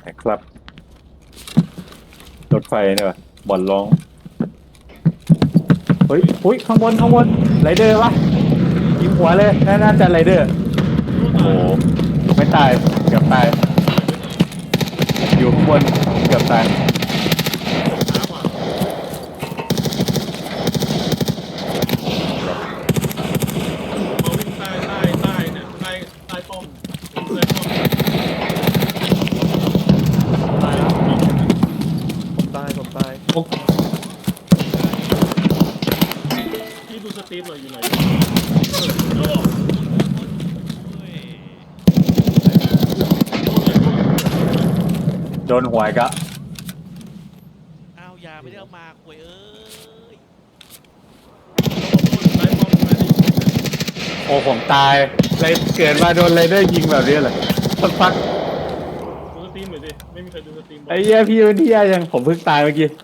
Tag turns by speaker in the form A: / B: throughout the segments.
A: ครับรถไฟเนี่ยว่ะบ่อนร้องเฮ้ยอุ้ยข้างบนไรเดอร์วะยิงหัวเลยน่าจะไรเดอร์โอ้โหไม่ตายเกือบตายอยู่ข้างบนเกือบตาย
B: ช้ากว่าผมมาวิ่งใต้เนี่ยใต้ป้อมผมเลยป้อม
C: ตายแล้วผมตาย
A: โอ้
B: พี่ดูสตรีมหน่อยอยู่ไหน
A: โดนหัวอีกอะ
D: อ้าวยาไม่ได้เอามาคุยเอ้ย
B: ใต้ป้อมมาดิ
A: โอ้ผมตายเลยเกิดมาโดนไรเดอร์ยิงแบบนี้เลยสักพัก
B: ดูสตรีมหน่อยดิไม่มีใครดูสตรีมบอก
A: ไอ้เหี้ยพี่มันที่ยังผมเพิ่งตายเมื่อกี้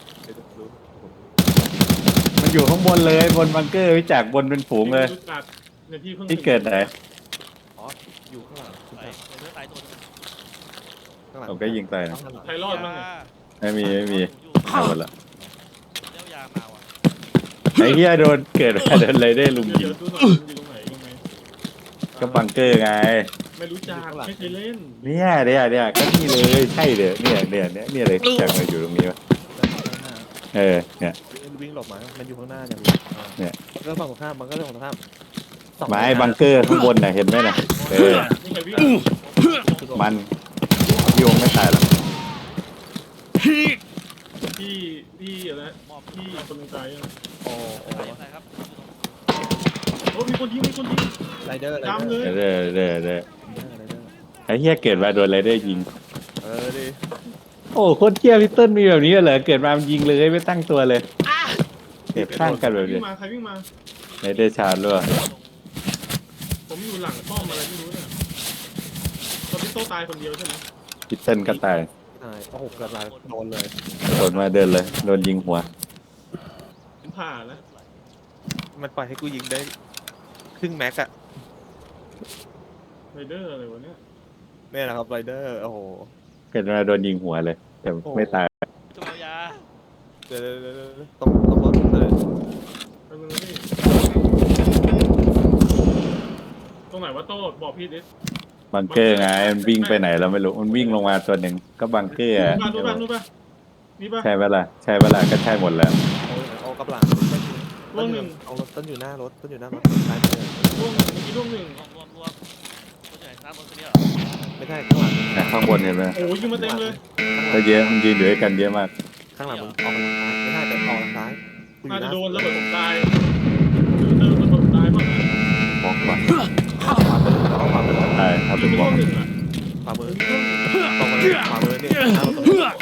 A: มันอยู่ข้างบนเลยบนบังเกอร์วิจากบนเป็นฝูงเลย
B: เนี่ยพี่เพิ่ง
A: ที่เกิดไหน
C: อ๋ออยู่ข้างหลัง
D: ไอ้เลือดตายตัวนึง
C: ข้างหลัง
A: ผมก็ยิงตายนะ
B: ใครรอดบ้างเนี่ย
A: ไม่มีเอาหมดละ
D: เจ้ายามาว่ะ
A: ไอ้เหี้ยโดนเกิดมาโดนไรเดอร์ลุมยิ
B: เดี๋ย
A: ง
B: วดูหน่อยมันอยู่ตรงไหนยังไง
A: ก็บังเกอร์ไง
B: ไม่รู้จักไม่เคยเล่น
A: เนี่ยก็นี่เลยใช่เด้อเนี่ยเลยจากมาอยู่ตรงนี้วะเนี่ย
C: วิ่งหลบมามันอยู่ข้างหน้าเนี่ย
A: เนี่ย
C: เรื่องฝั่งตรงข้ามมันก็เรื่องฝั่งตรงข้าม
A: ไม้บังเกอร์ข้างบนน่ะเห็นไหมน่ะ
B: นี่ใครวิ่ง
A: มันโยงไม่ตายหรอก
B: พี่อะไรพี่คนหนึงตายยัง
C: โอ้
D: ตายครับ
B: โอ้มีคนยิง
C: ไรเดอร์
B: ดำเลย
A: เด้อไอ้เหี้ยเกิดมาโดนไรเดอร์ยิง
C: ดิ
A: โอ้โคตรเที่ยพี่ต้นมีแบบนี้เหรอเกิดมามันยิงเลยไม่ตั้งตัวเลยเก็บข้างกันแบบ
B: วิ่
A: นี้
B: งมาใครวิ่งมา
A: ไรเดอร์ชาร์จด้วย
B: ผมอยู่หลังป้อมอะไรไม่รู้เนี่ยตอนพี่โตตายคนเดียวใช่ไหม
A: พี่เต้นก็ตาย
C: ตายโอ้โหเกิดอะไรโดนเลย
A: โดนมาเดินเลยโดนยิงหัว
B: ผมผ่าแล้ว
C: มันปล่อยให้กูยิงได้ครึ่งแม็กอะ
B: ไรเดอร์อะไรวะเนี่ย
C: เนี่ยนะครับไรเดอร์โอ้โห
A: เกิดมาโดนยิงหัวเลย แต่ไม่ตาย
D: จุดยา
C: เดี๋ยวต้องรถเลย
B: ตรงนี้พี่ตรงไหนวะโต้บอกพี่ดิ
A: บังเกอร์ไงมันวิ่งไปไหนเราไม่รู้มันวิ่งลงมาตัวหนึ่งก็บังเกอร์อะ
B: ดูป่ะนี่ป่ะ
A: ใช่ปะล่ะก็ใช่หมดแล้ว
C: เอากับหลัง
B: ร่วงหนึ่ง
C: เอารถต้นอยู่หน้ารถตายเลย
B: ร่วงหนึ่งเมื่อกี้ร่วงหนึ่ง
D: รวมตัวไหนซ้ำคนนี้เหรอ
C: ไม่ใช่ข้างหลัง
A: แต่ข้างบนเห็นไหม
B: โอ้ยยิงมาเต็มเลย
A: ก็เยอะมันยืนอยู่ด้วยกันเยอะมาก
C: ข้างหลังมึงออกทางซ้ายไม่ใช่แต่ออกทางซ้าย
B: น่าจะโดนระเบิดผมตายเติมระเบิดตายป่ะ
A: บล็อกก่อน
C: ขวามือเอาขวามือ
A: ตายถ้า
B: ยิ
A: เป็
B: ง
A: น
B: ไป
A: บล็อก
B: ร่วงหนึ่งอ่ะ
C: ขวามือ
B: ยิงร่วงหนึ่ง
C: ตรงมาเลยขวามือเนี่ยหน้าประตู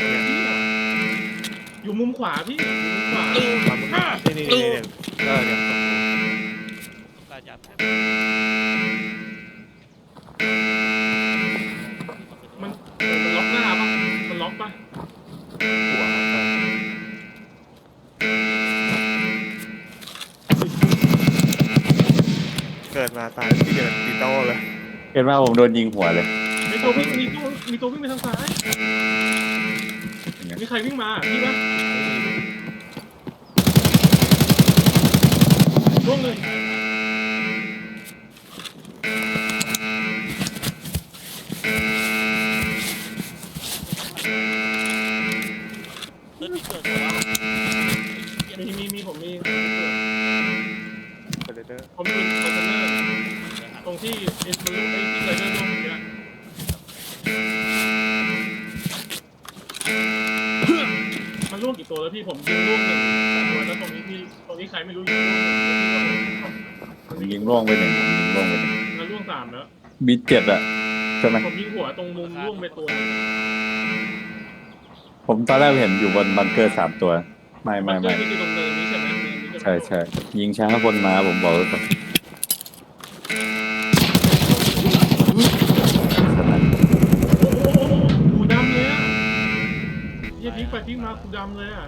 B: อยู่มุมขวาพี่อยู่มุมขวา
C: ขวามือนี่เนี่ยเนี่ย
D: การยาแพ้
B: มันล็อกหน้าป่ะมันล็อกป่ะ
C: หัวเกิดมาตายที่เดินตีโต้เลย
A: เห็นว่าผมโดนยิงหัวเลย
B: มีตัววิ่งไปทางซ้ายมีใครวิ่งมาพี่ป่ะร่วงหนึ่ง
D: เลือดที่เกิดตัว
B: มีผมมี
C: เดอร์
B: ผมอยู่คอนเทนเนอร์ตรงที่เอ็นมันลุกไอ้ที่ไรเดอร์ร่วงเมื่อกี้มันร่วงกี่ตัวแล้วพี่ผมยิงร่วงหนึ่งตัวแล้วตรงนี้ใครไม่รู้ยิงร่วงหนึ่งพี่
A: ยิงร่วงไปหนึ่งผมยิงร่วงไปหนึ่ง
B: มันร่วงสามแล้ว
A: บีเจ็ดอะใช่ไหม
B: ผมยิงหัวตรงมุมร่วงไปตัว
A: ผมตอนแรกเห็นอยู่บนบังเกอร์3 ตัวไม่
B: มันคือตรงเนินนี้ใช่ไหมเนินนี้
A: ใช่ยิงช้าคนมาผมบอกเลยก่อน
B: กูดำเลยอ่ะยี่พลิกไปพลิกมากูดำเลยอ่ะ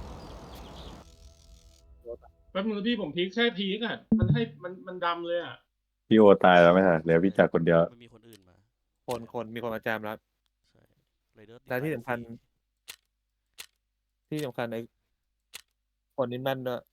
B: แป๊บนึงพี่ผมพลิกแค่พลิกอ่ะมันดำเลยอ่ะ
A: พี่โอตายแล้วไม่ใช่เหลือพี่จักรคนเดียว
D: มันมีคนอื่นมา
C: คนมีคนมาแจมแล้ว
D: ไรเดอร์ติด
C: และที่
D: ไฟ
C: สำคัญ
D: ฟรี
C: ที่สำคัญไอ้คนนี้แม่นด้วย